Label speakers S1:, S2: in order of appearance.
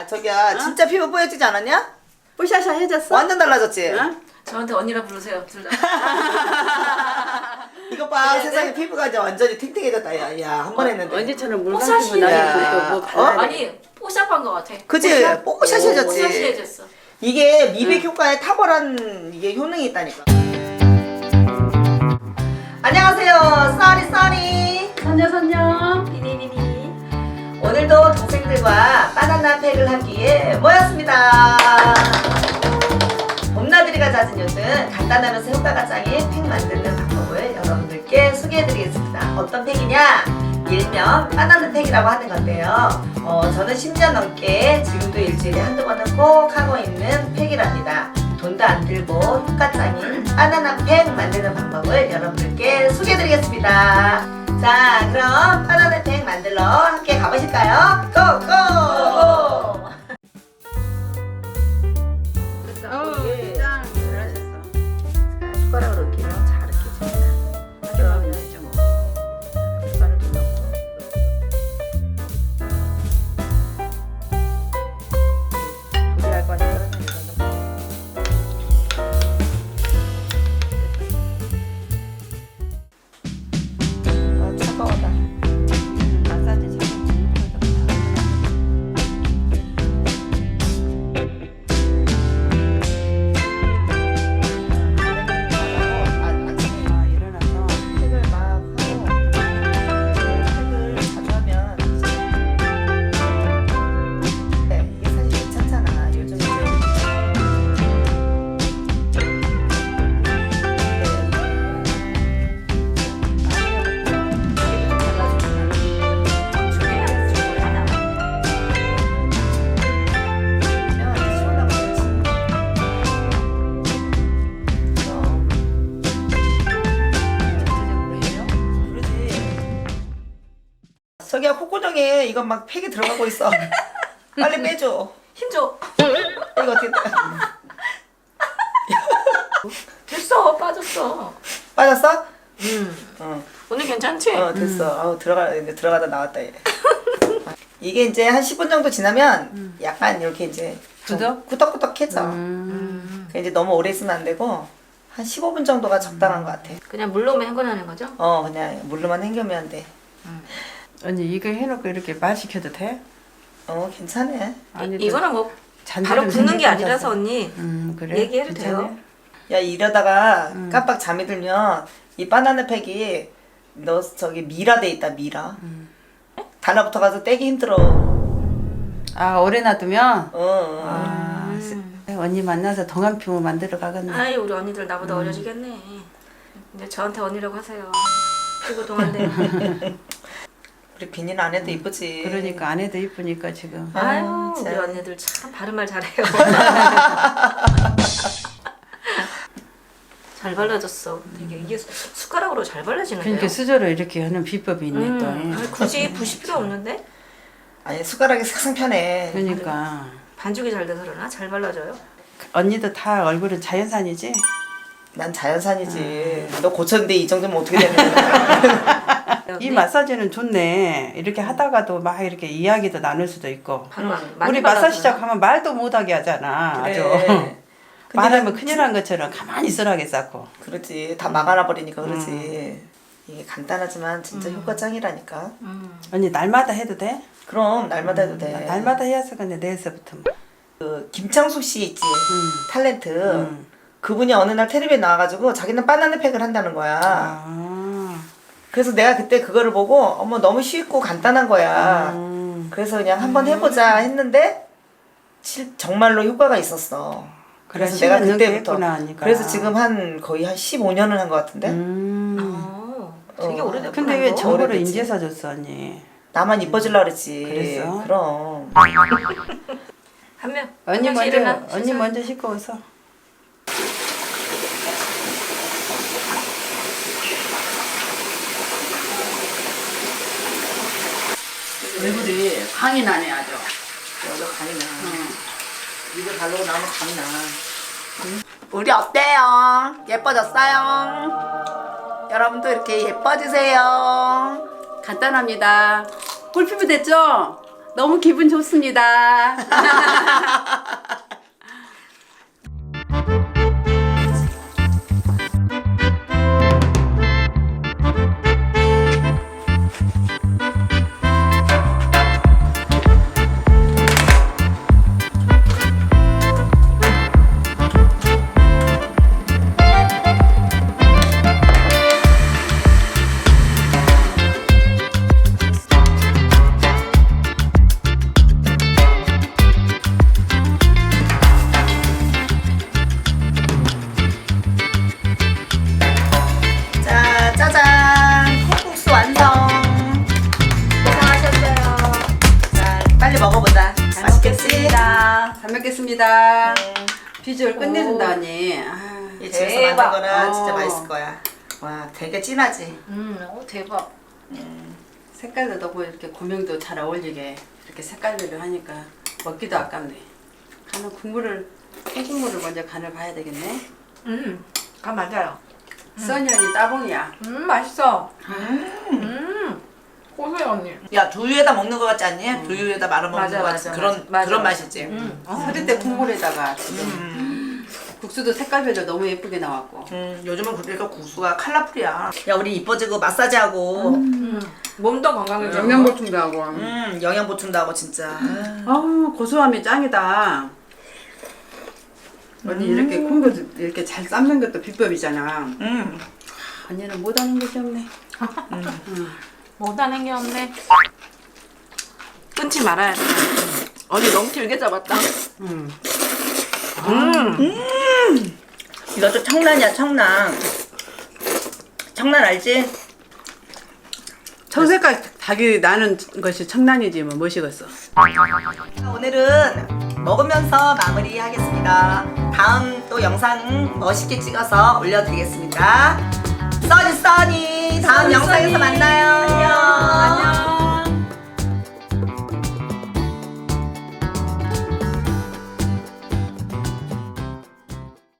S1: 저기야 진짜 피부 뽀얘지지 않았냐?
S2: 뽀샤샤 해졌어?
S1: 완전 달라졌지?
S2: 응?
S3: 저한테 언니라 부르세요, 둘 다.
S1: 이거 봐 세상에 피부가 이제 완전히 탱탱해졌다 야 한 번 했는데
S2: 언제처럼 물
S3: 뽀샤시.
S2: 감기고 나니까 또뭐 발라야 돼.
S3: 아니, 뽀샵한 것 같아.
S1: 그치? 뽀샤시해졌지?
S3: 뽀샤시해졌어.
S1: 이게 미백 효과에 탁월한 이게 효능이 있다니까. 안녕하세요 써니
S2: 선녀
S3: 비니비니.
S1: 오늘도 동생들과 바나나 팩을 하기 위해 모였습니다. 봄나들이가 잦은 요즘 간단하면서 효과가 짱인 팩 만드는 방법을 여러분들께 소개해드리겠습니다. 어떤 팩이냐? 일명 바나나 팩이라고 하는 건데요. 저는 10년 넘게 지금도 일주일에 한두 번은 꼭 하고 있는 팩이랍니다. 돈도 안 들고 효과 짱인 바나나 팩 만드는 방법을 여러분들께 소개해드리겠습니다. 자, 그럼 바나나 팩 만들러 함께 가보실까요? 고고!
S2: 짱 잘하셨어.
S1: 숟가락으로 이렇게 잘 이렇게 줍니다.
S2: 하기만 되죠 뭐.
S1: 숟가락을 좀 넣고 조리할 거니까 차가워다.
S2: 마사지 잘. 아 일어나서
S1: 팩을 막 하고 팩을 자주 하면 네, 이게 사실 괜찮잖아. 요즘 이제 저기야 콧구멍에 이거 막 팩이 들어가고 있어. 빨리 빼줘.
S3: 힘줘.
S1: 이거 어떻게
S3: 됐어, 빠졌어.
S1: 빠졌어? 응.
S3: 오늘 괜찮지?
S1: 됐어. 아우 들어가다 나왔다 얘. 이게 이제 한 10분 정도 지나면 약간 이렇게 이제 좀
S2: 굳어?
S1: 꾸덕꾸덕해져. 이제 너무 오래 있으면 안 되고 한 15분 정도가 적당한 것 같아.
S3: 그냥 물로만 헹궈내는 거죠?
S1: 그냥 물로만 헹겨면 돼.
S2: 언니 이거 해놓고 이렇게 말 시켜도 돼?
S1: 괜찮아.
S2: 아니
S3: 이거는 뭐
S2: 잔디를
S3: 바로 붓는 게
S2: 생겼어서.
S3: 아니라서 언니.
S2: 그래?
S3: 얘기해도
S2: 괜찮아?
S3: 돼요?
S1: 야 이러다가 깜빡 잠이 들면 이 바나나 팩이 너 저기 미라 돼 있다 미라. 달라붙어 가서 떼기 힘들어.
S2: 아 오래 놔두면?
S1: 어.
S2: 언니 만나서 동안 피부 만들어 가겠네.
S3: 아이, 우리 언니들 나보다 어려지겠네. 근데 저한테 언니라고 하세요. 그리고 동안데.
S1: 우리 비니는 안 해도 이쁘지.
S2: 그러니까 안 해도 이쁘니까 지금.
S3: 아유, 우리
S1: 참.
S3: 언니들 참 발음말 잘해요. 잘 발라졌어. 되게 이게 숟가락으로 잘 발라지는데요.
S2: 그러니까 수저로 이렇게 하는 비법이 있네 또.
S3: 아니, 굳이 부실 필요 없는데?
S1: 아니 숟가락이 삭삭 편해.
S2: 그러니까
S3: 반죽이 잘 돼서 그러나? 잘 발라져요?
S2: 언니도 다 얼굴은 자연산이지?
S1: 난 자연산이지. 너 고쳤는데 이 정도면 어떻게 되는 거야?
S2: 이 마사지는 좋네. 이렇게 하다가도 막 이렇게 이야기도 나눌 수도 있고. 우리 마사지 시작하면 말도 못하게 하잖아.
S1: 그래.
S2: 아주.
S1: 근데
S2: 말하면
S1: 난
S2: 큰일 난 것처럼 가만히 있으라게 쌓고.
S1: 그렇지. 다 막아놔 버리니까 그렇지. 이게 간단하지만 진짜 효과 짱이라니까.
S2: 언니 날마다 해도 돼?
S1: 그럼 날마다 해도 돼.
S2: 날마다 해야서 근데 내일서부터.
S1: 그 김창숙 씨 있지. 탤런트. 그분이 어느 날 텔레비에 나와가지고 자기는 바나나 팩을 한다는 거야.
S2: 아.
S1: 그래서 내가 그때 그거를 보고 어머 너무 쉽고 간단한 거야. 그래서 그냥 한번 해보자 했는데 정말로 효과가 있었어. 그래서
S2: 그래,
S1: 내가
S2: 10년 넘게
S1: 그때부터
S2: 했구나, 언니가.
S1: 그래서 지금 한 거의 한 15년을 한 것 같은데
S3: 되게 오래됐구나.
S2: 근데 왜
S3: 이거.
S2: 정보를
S1: 오래됐지.
S2: 인제서 줬어 언니?
S1: 나만 이뻐지려고 그랬지.
S2: 그랬어?
S1: 그럼
S3: 한 명.
S2: 언니
S3: 한 명씩
S2: 먼저
S3: 일어나.
S2: 언니
S3: 세상.
S2: 먼저 씻고 오서. 얼굴이 광이 나네 아주.
S1: 여기가 간이 나. 입을 바르고 나면 간이 나. 우리 어때요? 예뻐졌어요? 여러분도 이렇게 예뻐지세요.
S2: 간단합니다. 꿀피부 됐죠? 너무 기분 좋습니다.
S1: 자, 짜잔! 콩국수 완성!
S3: 고생하셨어요.
S1: 자, 빨리 먹어보자.
S2: 잘
S1: 맛있겠지?
S2: 먹겠습니다. 잘 먹겠습니다.
S1: 네.
S2: 비주얼 끝내준다 언니. 아,
S1: 이 집에서
S3: 대박.
S1: 만든 거라
S2: 어.
S1: 진짜 맛있을 거야. 와, 되게 진하지?
S3: 대박.
S2: 색깔도 너무 이렇게 고명도 잘 어울리게 이렇게 색깔별로 하니까 먹기도 아깝네. 간은 국물을 소금물을 먼저 간을 봐야 되겠네.
S3: 간 맞아요.
S2: 써니 언니 따봉이야.
S3: 맛있어.
S4: 고소해 언니.
S1: 야, 두유에다 먹는 거 같지 않니? 두유에다 말아 먹는
S3: 맞아,
S1: 거
S3: 맞아,
S1: 같지? 그런,
S3: 맞아.
S1: 그런 맛이지?
S2: 서리대 국물에다가 지금 국수도 색깔별로 너무 예쁘게 나왔고.
S1: 요즘은 그러니까 국수가 컬러풀이야. 야, 우리 이뻐지고 마사지하고,
S3: 몸도 건강해져.
S2: 영양 보충도 하고.
S1: 영양 보충도 하고, 진짜.
S2: 아 고소함이 짱이다. 언니 이렇게 콩도 이렇게 잘 삶는 것도 비법이잖아. 언니는 못하는 것이 없네.
S3: 못하는 게 없네. 끊지 말아야 돼. 언니 너무 길게 잡았다.
S1: 이것도 청란이야, 청란. 청란 알지?
S2: 청색깔 닭이 나는 것이 청란이지 뭐 뭐시겠어.
S1: 오늘은 먹으면서 마무리하겠습니다. 다음 또 영상 멋있게 찍어서 올려드리겠습니다. 써니 다음 영상에서 만나요.